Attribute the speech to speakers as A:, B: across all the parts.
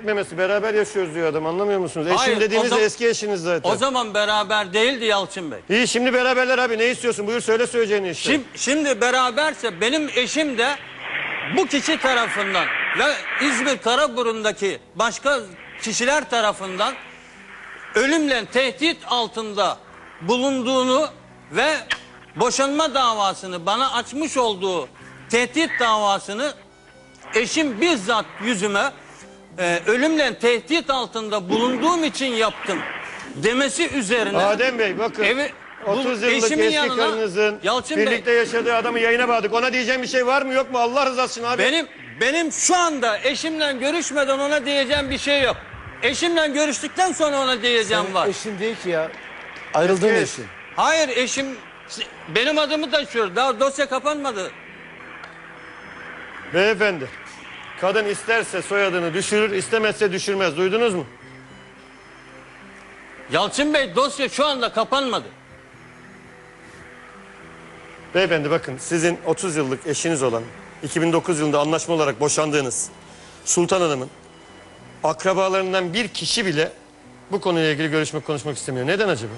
A: etmemesi? Beraber yaşıyoruz diyor adam, anlamıyor musunuz?
B: Hayır,
A: eşim dediğiniz de eski eşiniz zaten.
B: O zaman beraber değildi Yalçın Bey.
A: İyi, şimdi beraberler abi, ne istiyorsun? Buyur söyle söyleyeceğini işte.
B: Şimdi beraberse benim eşim de bu kişi tarafından ve İzmir Karaburun'daki başka kişiler tarafından ölümle tehdit altında bulunduğunu ve boşanma davasını, bana açmış olduğu tehdit davasını eşim bizzat yüzüme ölümle tehdit altında bulunduğum için yaptım demesi üzerine.
A: Adem Bey bakın, 30 yıllık eski karınızın birlikte yaşadığı adamı yayına bağladık. Ona diyeceğim bir şey var mı yok mu Allah rızası için abi?
B: Benim şu anda eşimle görüşmeden ona diyeceğim bir şey yok. Eşimle görüştükten sonra ona diyeceğim var.
C: Eşin değil ki ya. Ayrıldığın eşin.
B: Hayır, eşim benim adımı taşıyor. Daha dosya kapanmadı.
A: Beyefendi, kadın isterse soyadını düşürür, istemezse düşürmez. Duydunuz mu?
B: Yalçın Bey, dosya şu anda kapanmadı.
A: Beyefendi bakın, sizin 30 yıllık eşiniz olan, 2009 yılında anlaşma olarak boşandığınız Sultan Hanım'ın akrabalarından bir kişi bile bu konuyla ilgili konuşmak istemiyor. Neden acaba?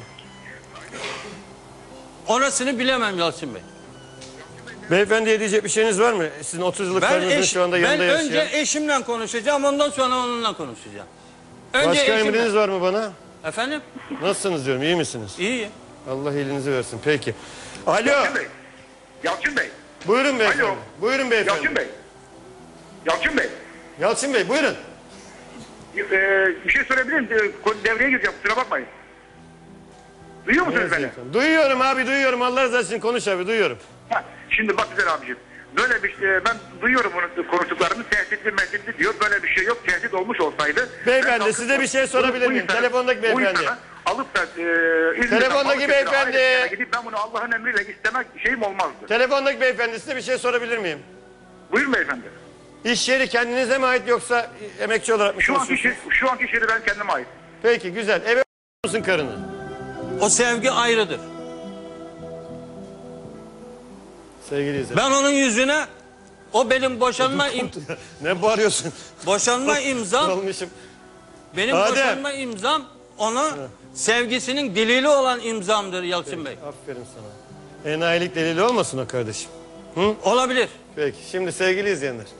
B: Orasını bilemem Yalçın Bey.
A: Beyefendiye diyecek bir şeyiniz var mı? Sizin 30 yıllık karınızın şu anda yanında yaşayan.
B: Ben önce eşimle konuşacağım, ondan sonra onunla konuşacağım.
A: Başka emriniz var mı bana?
B: Efendim?
A: Nasılsınız diyorum, iyi misiniz?
B: İyiyim.
A: Allah iyiliğinizi versin, peki. Alo.
D: Yalçın Bey. Yalçın Bey.
A: Buyurun beyefendi.
D: Alo.
A: Buyurun beyefendi.
D: Yalçın Bey. Yalçın Bey.
A: Yalçın Bey buyurun.
D: Bir şey sorabilir miyim? Devreye gireceğim, kusura bakmayın. Duyuyor musunuz beni?
A: Duyuyorum abi, duyuyorum. Allah razı olsun, konuş abi, duyuyorum.
D: Şimdi bak güzel abicim. Böyle bir ben duyuyorum bunu, konuştuklarını tehditli diyor. Böyle bir şey yok. Tehdit olmuş olsaydı.
A: Beyefendi size bir şey sorabilir miyim? Telefondaki beyefendi.
D: Alıp da
A: telefondaki beyefendi.
D: Gidip ben bunu Allah'ın emriyle istemek şeyim olmazdı.
A: Telefondaki beyefendi, size bir şey sorabilir miyim?
D: Buyurun beyefendi.
A: İş yeri kendinize mi ait yoksa emekçi olarak mı çalışıyorsunuz?
D: Şu anki iş yeri ben kendime ait.
A: Peki güzel. Eve musun karını?
B: O sevgi ayrıdır.
A: Sevgili izleyiciler.
B: Ben onun yüzüne, o benim boşanma
A: ne bağırıyorsun?
B: Boşanma imzam. Benim
A: Adem.
B: boşanma imzam ona sevgisinin delili olan imzamdır Yalçın Bey.
A: Aferin sana. Enayilik delili olmasın o kardeşim.
B: Olabilir.
A: Peki şimdi sevgili izleyenler.